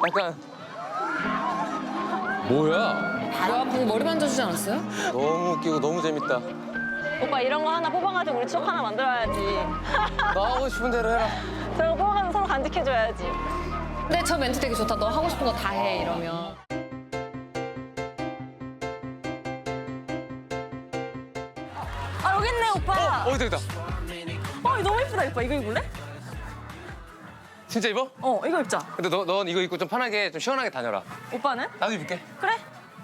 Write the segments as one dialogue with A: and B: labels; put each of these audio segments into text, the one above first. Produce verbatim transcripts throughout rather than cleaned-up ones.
A: 약간
B: 뭐야?
C: 뭐야, 방금 머리 만져주지 않았어요?
A: 너무 웃기고 너무 재밌다.
D: 오빠 이런 거 하나 뽑아가지고 우리 추억 하나 만들어야지.
A: 너 하고 싶은 대로 해라.
D: 저런 거 뽑아가지고 서로 간직해줘야지.
C: 근데 저 멘트 되게 좋다. 너 하고 싶은 거 다 해, 이러면.
D: 아 여기 있네 오빠.
A: 어, 되겠다.
D: 어 이거 너무 예쁘다 오빠. 이거 입을래?
A: 진짜 입어?
D: 어 이거 입자.
A: 근데 너, 넌 이거 입고 좀 편하게, 좀 시원하게 다녀라.
D: 오빠는?
A: 나도 입을게.
D: 그래.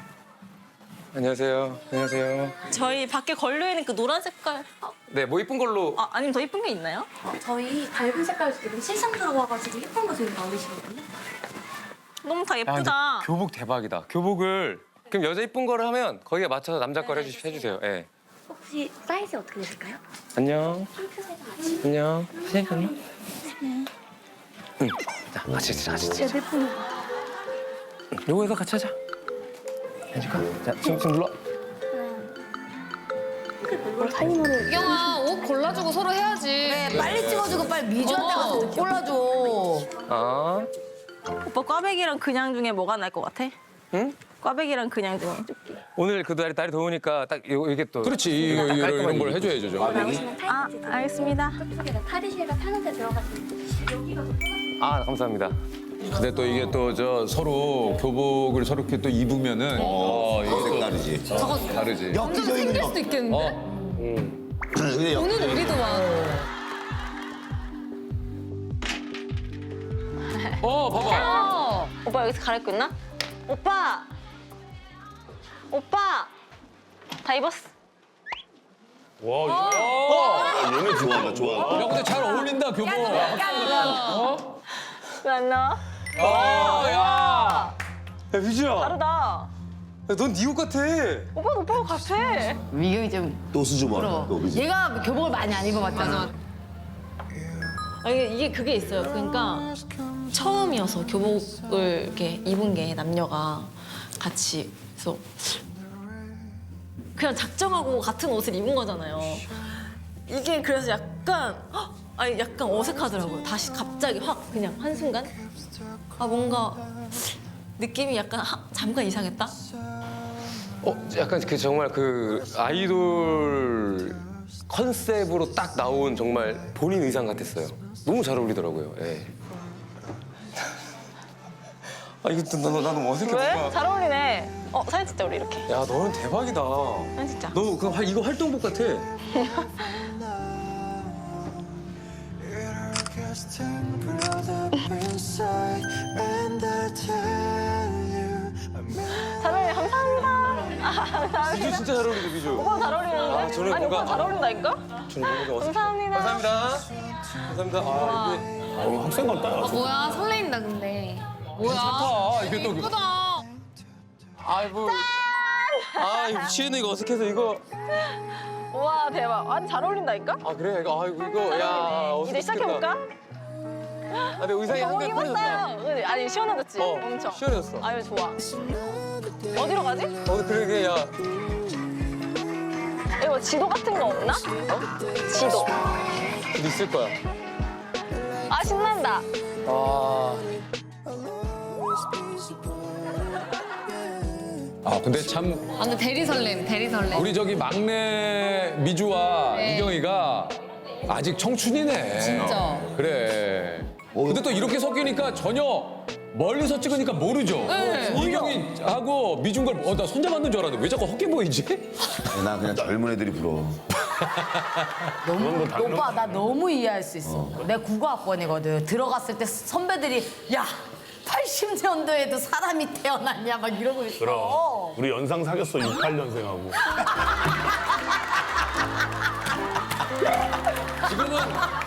A: 안녕하세요. 안녕하세요.
D: 저희 밖에 걸려있는 그 노란 색깔. 아,
A: 네, 뭐 이쁜 걸로.
D: 아 아니면 더 이쁜 게 있나요?
E: 저희 밝은 색깔 지금 실상 들어가가지고 예쁜 거 지금 나오시거든요.
D: 너무 다
A: 야, 근데
D: 예쁘다.
A: 교복 대박이다. 교복을 그럼 여자 이쁜 거를 하면 거기에 맞춰서 남자 거를 해주, 해주세요. 예.
E: 혹시 사이즈 어떻게 되실까요?
A: 안녕.
E: 핑크색 맞지?
A: 안녕. 선생님 안녕. 응. 자, 같이 찍자, 같이 찍자.
E: 내 폰.
A: 요거에서 같이 하자. 해줄까? 자, 지금 지금 눌러.
C: 유경아, 옷 골라주고 서로 해야지.
F: 네, 빨리 찍어주고 빨리 미주한테 가서
C: 어.
F: 옷 골라줘.
A: 아,
D: 오빠 꽈배기랑 그냥 중에 뭐가 나을 것 같아?
A: 응?
D: 꽈배기랑 그냥 중에.
A: 오늘 그 날이 날이 더우니까 딱 요, 이게 또.
B: 그렇지, 이거, 이거,
A: 깔끔하게
B: 이런 걸
A: 입고.
B: 해줘야죠. 저.
D: 아 알겠습니다.
E: 저쪽에다 탈의실과 편의대 들어가시면 여기가 더 편하실
A: 아, 감사합니다.
B: 근데 또 이게 또 저 서로 교복을 서로 이렇게 또 입으면은 어, 이게
G: 다르지.
C: 저거
B: 다르지.
C: 점점 생길 수도 있겠는데?
B: 어,
G: 근데 역-
C: 오늘 우리도만.
B: 어, 봐봐.
C: 어.
D: 오빠 여기서 갈아입고 있나? 오빠! 오빠! 다 입었어.
G: 얘네 좋아한다, 좋아.
B: 야, 근데 잘 어울린다, 교복.
D: 왜 안 나와?
A: 어, 야. 야, 미주야.
D: 다르다.
A: 야, 넌 네 옷 같아.
D: 오빠 오빠가 같아.
F: 미경이 좀
G: 또 수줍어.
F: 부러워.
G: 또, 그지?
F: 얘가 교복을 많이 안 입어봤잖아.
D: 아니 이게 그게 있어요. 그러니까 처음이어서 교복을 이렇게 입은 게 남녀가 같이 그래서 그냥 작정하고 같은 옷을 입은 거잖아요. 이게 그래서 약간 헉! 아니 약간 어색하더라고요. 다시 갑자기 확 그냥 한 순간 아 뭔가 느낌이 약간 하, 잠깐 이상했다.
A: 어, 약간 그 정말 그 아이돌 컨셉으로 딱 나온 정말 본인 의상 같았어요. 너무 잘 어울리더라고요. 예. 아, 이거 나, 나, 나 너무 어색해. 뭔가.
D: 잘 어울리네. 어 사진 찍자 우리 이렇게.
A: 야, 너는 대박이다.
D: 사진 찍자.
A: 너 그, 화- 이거 활동복 같아.
D: 잘 어울려. 감사합니다. 아, 감사합니다.
A: 미주 진짜 잘 어울린다, 미주.
D: 오빠 잘 어울리는데?
A: 아, 저는
D: 아니
A: 뭔가-
D: 오빠 잘 어울린다니까?
A: 저는 뭔가 어색해.
D: 감사합니다.
A: 감사합니다. 감사합니다. 아, 이게.
B: 어, 학생 같다.
C: 아, 뭐야, 설레인다, 근데. 뭐야.
B: 좋다. 이게 또.
C: 예쁘다.
A: 아이고. 아, 이거 미치겠네, 이거 어색해서 이거.
D: 우와 대박. 아니 잘 어울린다니까?
A: 아, 그래? 이거, 아이고, 이거. 야, 어색해.
D: 이제 시작해볼까?
A: 아, 근데 의상이
D: 너무
A: 한개 편해졌다.
D: 입었어요. 그지? 아니 시원해졌지?
A: 어,
D: 엄청.
A: 시원해졌어.
D: 아유 좋아. 어디로 가지?
A: 어, 그러게, 야.
D: 이거 지도 같은 거 없나? 지도.
A: 어디 있을 거야.
D: 아 신난다.
A: 아.
B: 아, 근데 참
C: 아, 근데 대리 설렘, 대리 설렘.
B: 우리 저기 막내 미주와
C: 네.
B: 이경이가 아직 청춘이네.
C: 진짜.
B: 그래. 근데 또 이렇게 섞이니까 전혀 멀리서 찍으니까 모르죠.
C: 네.
B: 이경이하고 미준 걸, 어, 나 손잡았는 줄 알았는데 왜 자꾸 헛게 보이지?
G: 나 그냥 젊은 애들이 부러워.
F: 너무, 오빠 나 너무 이해할 수 있어. 내가 국어학번이거든. 들어갔을 때 선배들이 야 팔십 년도에도 사람이 태어났냐 막 이러고 있어.
H: 그럼 우리 연상 사귀었어 육십팔 년생하고
B: 지금은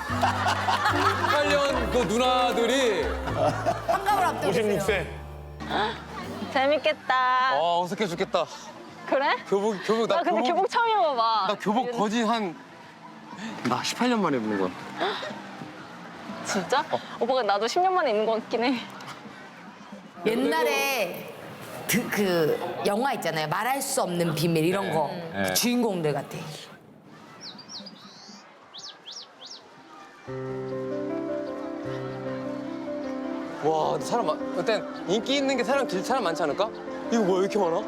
B: 팔 년 그 누나들이
F: 한갑을 앞두고 있어요.
H: 오십육 세
D: 재밌겠다.
A: 아, 어색해 죽겠다.
D: 그래?
A: 교복, 교복, 나,
D: 나 근데 교복 처음 입어봐.
A: 나 교복 거진 한. 나 십팔 년 만에 입는 거야.
D: 진짜? 오빠가 나도 십 년 만에 입는 것 같긴 해.
F: 옛날에 그, 그 영화 있잖아요. 말할 수 없는 비밀 이런 거.
B: 네.
F: 그 주인공들 같아.
A: 와, 근데 사람 많, 일단 인기 있는 게 사람 길 사람 많지 않을까? 이거 뭐야, 왜 이렇게 많아?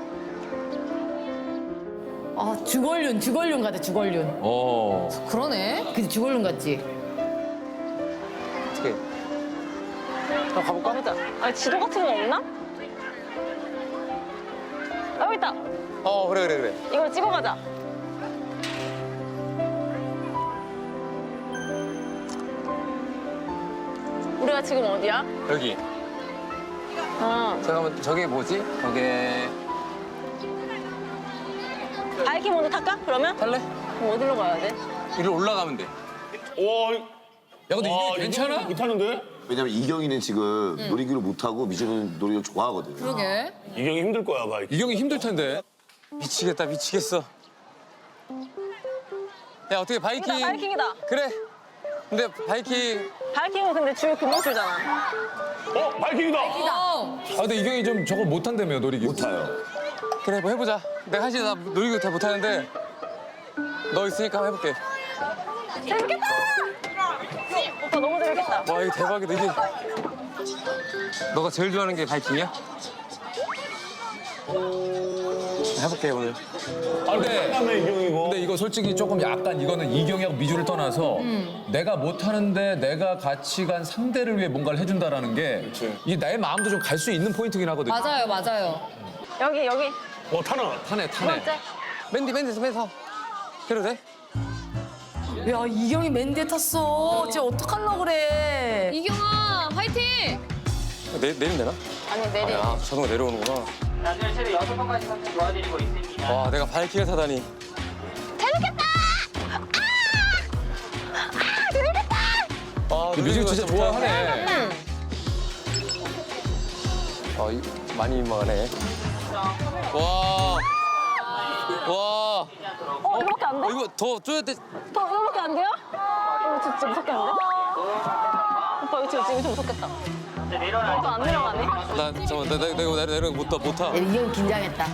F: 아 주걸륜 주걸륜 같아 주걸륜.
B: 어.
C: 그러네.
F: 그치 주걸륜 같지.
A: 어떻게? 한번 가볼까?
D: 가보자. 아니 지도 같은 거 없나? 아, 여기 있다.
A: 어, 그래, 그래, 그래.
D: 이걸 찍어가자. 우리가 지금 어디야?
A: 여기.
D: 어.
A: 잠깐만, 저게 뭐지? 저게
D: 바이킹 먼저 탈까? 그러면?
A: 탈래?
D: 그럼 어디로 가야 돼?
A: 이리로 올라가면 돼.
H: 와,
B: 야 근데
H: 와,
B: 이게 괜찮아?
H: 못하는데?
G: 왜냐면 이경이는 지금 놀이기를 못하고 미주는 놀이기를 좋아하거든.
C: 그러게.
H: 이경이 힘들 거야, 가.
B: 이경이 힘들 텐데.
A: 미치겠다, 미치겠어. 야, 어떻게 바이킹.
D: 이다, 바이킹이다.
A: 그래. 근데 바이킹.
D: 바이킹은 근데 줄 금방 줄잖아.
H: 어, 바이킹이다.
B: 아 근데 이경이 좀 저거 못한다며 놀이기.
G: 못 타요.
A: 그래, 뭐 해보자. 내가 사실 나 놀이기구 잘 못하는데 너 있으니까 한번 해볼게.
D: 재밌겠다! 오빠 너무 재밌겠다.
A: 와, 이거 대박이다, 이게. 너가 제일 좋아하는 게 바이킹이야? 해볼게, 오늘.
B: 아 근데
H: 다음에 이경이고.
B: 근데 이거 솔직히 조금 약간 이거는 이경이하고 미주를 떠나서 내가 못하는데 내가 같이 간 상대를 위해 뭔가를 해준다라는 게 이게 나의 마음도 좀 갈 수 있는 포인트긴 하거든요.
C: 맞아요, 맞아요.
D: 여기, 여기.
H: 어, 타나?
B: 타네
D: 두
B: 타네.
D: 번째.
A: 맨디, 맨디, 맨디 서. 그래도 돼?
F: 야 이경이 맨디에 탔어. 쟤 어떡하려고 그래.
C: 이경아, 화이팅!
A: 내, 내리면 되나?
D: 아니, 내리.
A: 아, 자동으로 내려오는구나.
I: 나중에 최대 여섯 번까지 상품 도와드리고 있습니다.
A: 와, 내가 바이킹을 타다니.
D: 재밌겠다!
A: 아,
B: 미주 진짜 좋아하네.
A: 아, 이, 많이 민망하네. 와. 와.
D: 어, 이거밖에 안 돼?
A: 어, 이거 더 줘야 돼.
D: 오빠, 이거밖에 안 돼요? 이거 진짜 무섭게 안 돼? 오빠, 이거 지금, 지금 좀 무섭겠다.
I: 이제 내려놔.
D: 오빠 안 내려가네?
A: 나, 잠깐만, 나, 나, 나 이거 내려, 내려, 못 타, 못 타.
F: 야, 이경 긴장했다.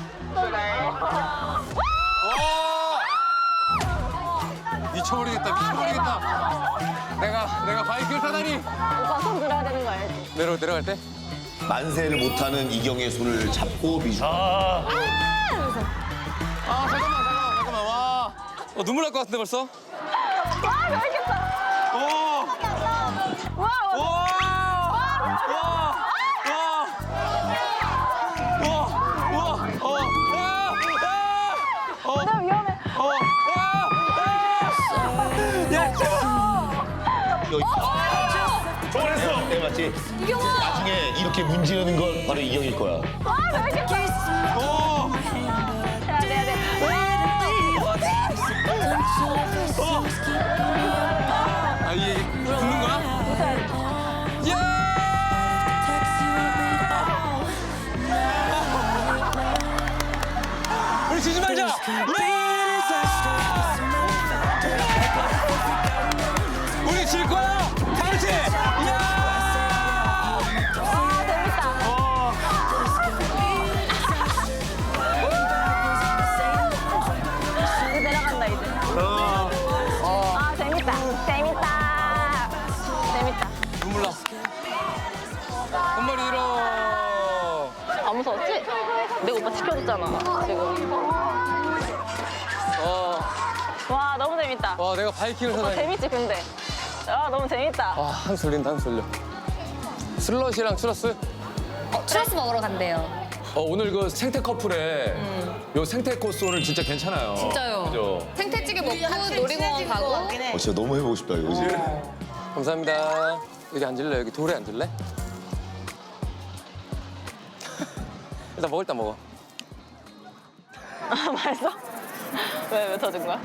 A: 미쳐버리겠다, 미쳐버리겠다. 내가, 내가 바이크를 타다니.
D: 오빠 손 들어야 되는 거 알지?
A: 내려, 내려갈 때?
G: 만세를 못하는 이경의 손을 잡고 미주.
H: 아,
A: 아, 잠깐만, 잠깐만, 잠깐만. 와. 어, 눈물 날 것 같은데 벌써?
D: 와, 재밌겠다!
A: 오!
D: 와,
A: 와!
D: 와,
A: 와! 와! 와! 와! 어! 아! 아! 어!
D: 나 위험해.
A: 어! 아! 야,
H: 저걸 했어.
G: 네, 맞지? 이경아! 나중에 이렇게 문지르는 건 바로 이경일 거야.
D: 와, 재밌겠다!
A: 어!
D: 해야 돼, 해야 돼.
A: 아, 이게 붙는 거야? 야! 우리 지지 말자! 우리 질 거야! 다 같이! 야!
D: 와, 재밌다. 이제 내려간다, 이제. 아, 재밌다. 재밌다. 재밌다.
A: 눈물 나. 한마리 잃어.
D: 안 무서웠지? 내가 오빠 지켜줬잖아, 지금.
A: 어.
D: 와, 너무 재밌다.
A: 와, 내가 바이킹을
D: 오빠
A: 타다니.
D: 재밌지, 근데? 아, 너무 재밌다.
A: 아, 한솔린다한솔려 슬러시랑 추러스?
C: 어, 추러스 먹으러 간대요.
B: 어, 오늘 그 생태 커플에 요 생태 코스 오늘 진짜 괜찮아요.
C: 진짜요.
B: 그죠?
C: 생태찌개 먹고 놀이공원 가고.
G: 어, 진짜 너무 해보고 싶다, 이거. 그치?
A: 감사합니다. 여기 앉을래? 여기 돌에 앉을래? 일단 먹을 때 먹어.
D: 아, 맛있어? 왜, 왜 터진 거야?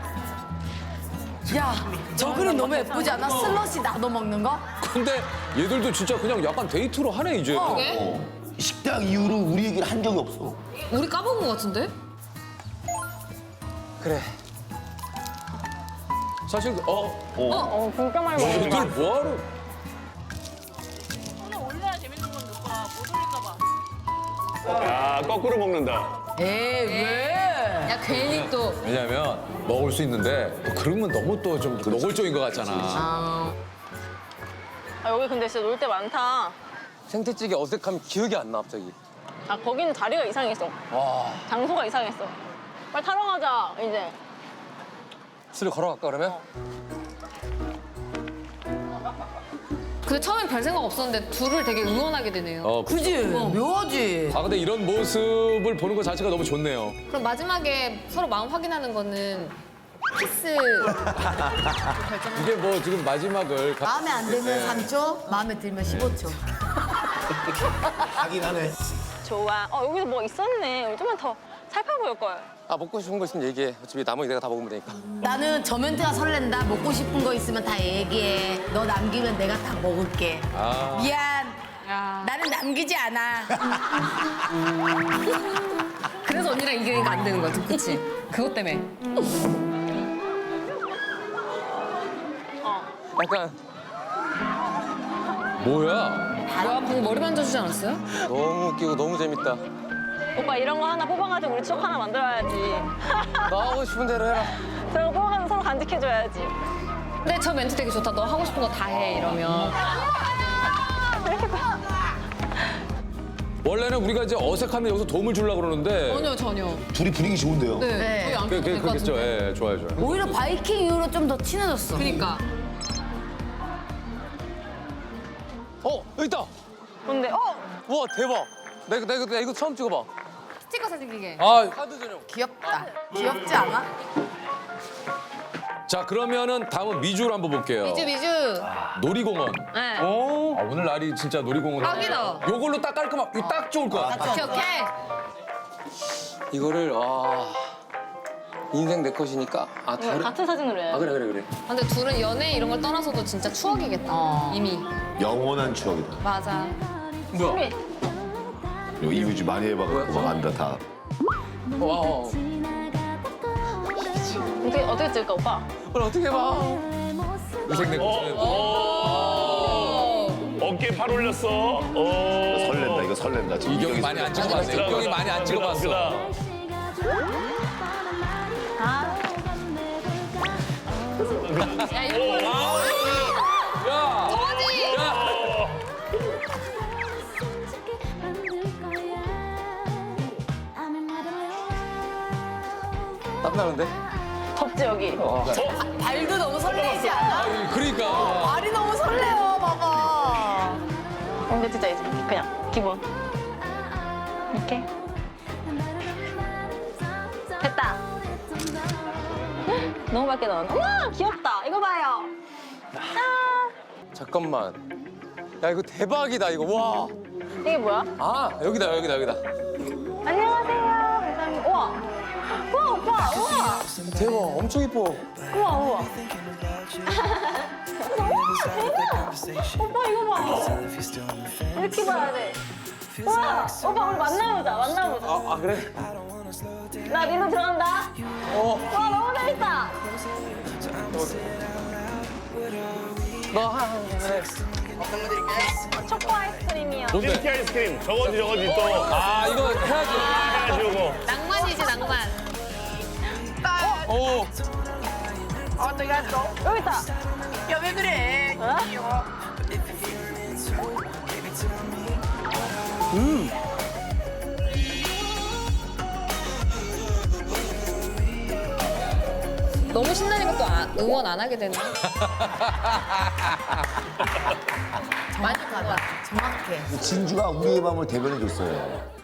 F: 야 저 그림 너무 예쁘지 않아? 슬러시 나도 먹는 거?
B: 근데 얘들도 진짜 그냥 약간 데이트로 하네 이제.
C: 그게?
G: 식당 이후로 우리 얘기를 한 적이 없어.
C: 우리 까먹은 것 같은데?
A: 그래.
B: 사실 어,
D: 어, 진짜 많이 먹어.
B: 얘들 뭐하러?
H: 야, 거꾸로 먹는다.
F: 에이 왜?
C: 야, 괜히 또.
B: 왜냐면 먹을 수 있는데 또 그러면 너무 또 좀 노골적인 것 같잖아.
D: 아, 여기 근데 진짜 놀 데 많다.
A: 생태찌개 어색함이 기억이 안 나 갑자기.
D: 아 거기는 자리가 이상했어.
A: 와.
D: 장소가 이상했어. 빨리 타러 가자 이제.
A: 술을 걸어갈까 그러면?
C: 근데 처음엔 별 생각 없었는데 둘을 되게 응원하게 되네요.
B: 어, 그-
F: 그지? 묘하지?
B: 아 근데 이런 모습을 보는 것 자체가 너무 좋네요.
C: 그럼 마지막에 서로 마음 확인하는 거는 키스
B: 이게 뭐 지금 마지막을 가-
F: 마음에 안 들면 삼 초, 마음에 들면 십오 초.
D: 좋아. 어 여기도 뭐 있었네. 우리 좀만 더 살펴볼 걸.
A: 아 먹고 싶은 거 있으면 얘기해. 어차피 나머지 내가 다 먹으면 되니까.
F: 나는 저 멘트가 설렌다. 먹고 싶은 거 있으면 다 얘기해. 너 남기면 내가 다 먹을게.
B: 아.
F: 미안.
C: 야.
F: 나는 남기지 않아.
C: 그래서 언니랑 이경이가 안 되는 거야, 그치? 그것 때문에.
A: 약간
B: 뭐야?
C: 뭐야, 방금 머리 만져주지 않았어요?
A: 너무 웃기고 너무 재밌다.
D: 오빠 이런 거 하나 뽑아가지고 우리 추억 하나 만들어야지.
A: 너 하고 싶은 대로 해라.
D: 저런 거 뽑아가지고 서로 간직해줘야지.
C: 근데 저 멘트 되게 좋다. 너 하고 싶은 거 다 해, 이러면.
B: 원래는 우리가 이제 어색하면 여기서 도움을 주려고 그러는데
C: 전혀, 전혀.
G: 둘이 분위기 좋은데요?
C: 네.
F: 네.
C: 거의 안
B: 그,
C: 펴도
B: 그,
C: 될것
B: 그겠죠.
C: 같은데.
B: 예, 좋아요, 좋아요.
F: 오히려 바이킹 이후로 좀 더 친해졌어.
C: 그니까.
A: 어 여기 있다.
D: 근데 어?
A: 와 대박. 나 이거 나 이거 나 이거 처음 찍어봐.
C: 스티커 사진 기계.
B: 아,
A: 카드 전용.
F: 귀엽다. 귀엽지 않아?
B: 자 그러면은 다음은 미주를 한번 볼게요.
C: 미주, 미주.
B: 놀이공원.
C: 네.
B: 아, 오늘 날이 진짜 놀이공원.
C: 딱이다.
B: 요걸로 딱 깔끔하, 이거 딱 좋을 것 같아.
C: 오케이, 오케이.
A: 이거를 와 인생 내 것이니까 아 다른.
D: 같은 사진으로 해.
A: 아 그래 그래 그래.
C: 근데 둘은 연애 이런 걸 떠나서도 진짜 추억이겠다. 이미.
G: 영원한 추억이다.
C: 맞아.
A: 뭐야?
G: 이거 이유지 많이 해봐갖고 막 안다 다.
A: 와. 어.
D: 어떻게 어떻게 찍을까 오빠?
A: 그걸 어떻게 봐?
B: 인생 내 것은.
H: 어깨에 팔 올렸어. 어.
G: 설렌다 이거 설렌다. 지금
B: 이경이 많이 안 찍어봤어. 이경이 많이 안 찍어봤어.
C: 야, 이거
B: 야,
C: 뭐지?
A: 땀나는데?
D: 덥지 여기.
F: 발도 너무 설레지 않아?
B: 그러니까.
F: 발이 너무 설레요, 봐봐.
D: 근데 진짜 이제 그냥 기본. 이렇게. 됐다. 너무 밝게 나왔네. 우와 귀엽다. 이거 봐요.
A: 잠깐만. 야 이거 대박이다 이거 와.
D: 이게 뭐야?
A: 아 여기다 여기다 여기다.
D: 안녕하세요. 감사합니다. 우와. 우와 오빠. 우와.
A: 대박 엄청 이뻐.
D: 우와 우와. 우와 대박. 오빠 이거 봐. 이렇게 봐야 돼. 우와 오빠 우리 만나보자. 만나보자.
A: 아, 아 그래?
D: 나 니로 들어간다.
A: 어.
D: 와 너무 재밌다.
A: 너 하. 그래.
D: 초코 아이스크림이요.
B: 뭔데?
H: 밀키 아이스크림. 저거지 저거지 또.
B: 아 이거 해야지.
H: 해야지 이거.
C: 낭만이지, 낭만.
A: 오.
D: 여기 있다.
F: 야, 왜 그래?
D: 어?
C: 너무 신나니까 또 아- 응원 안 하게 되네.
F: 정확하다. 정확해.
G: 진주가 우리의 마음을 대변해줬어요.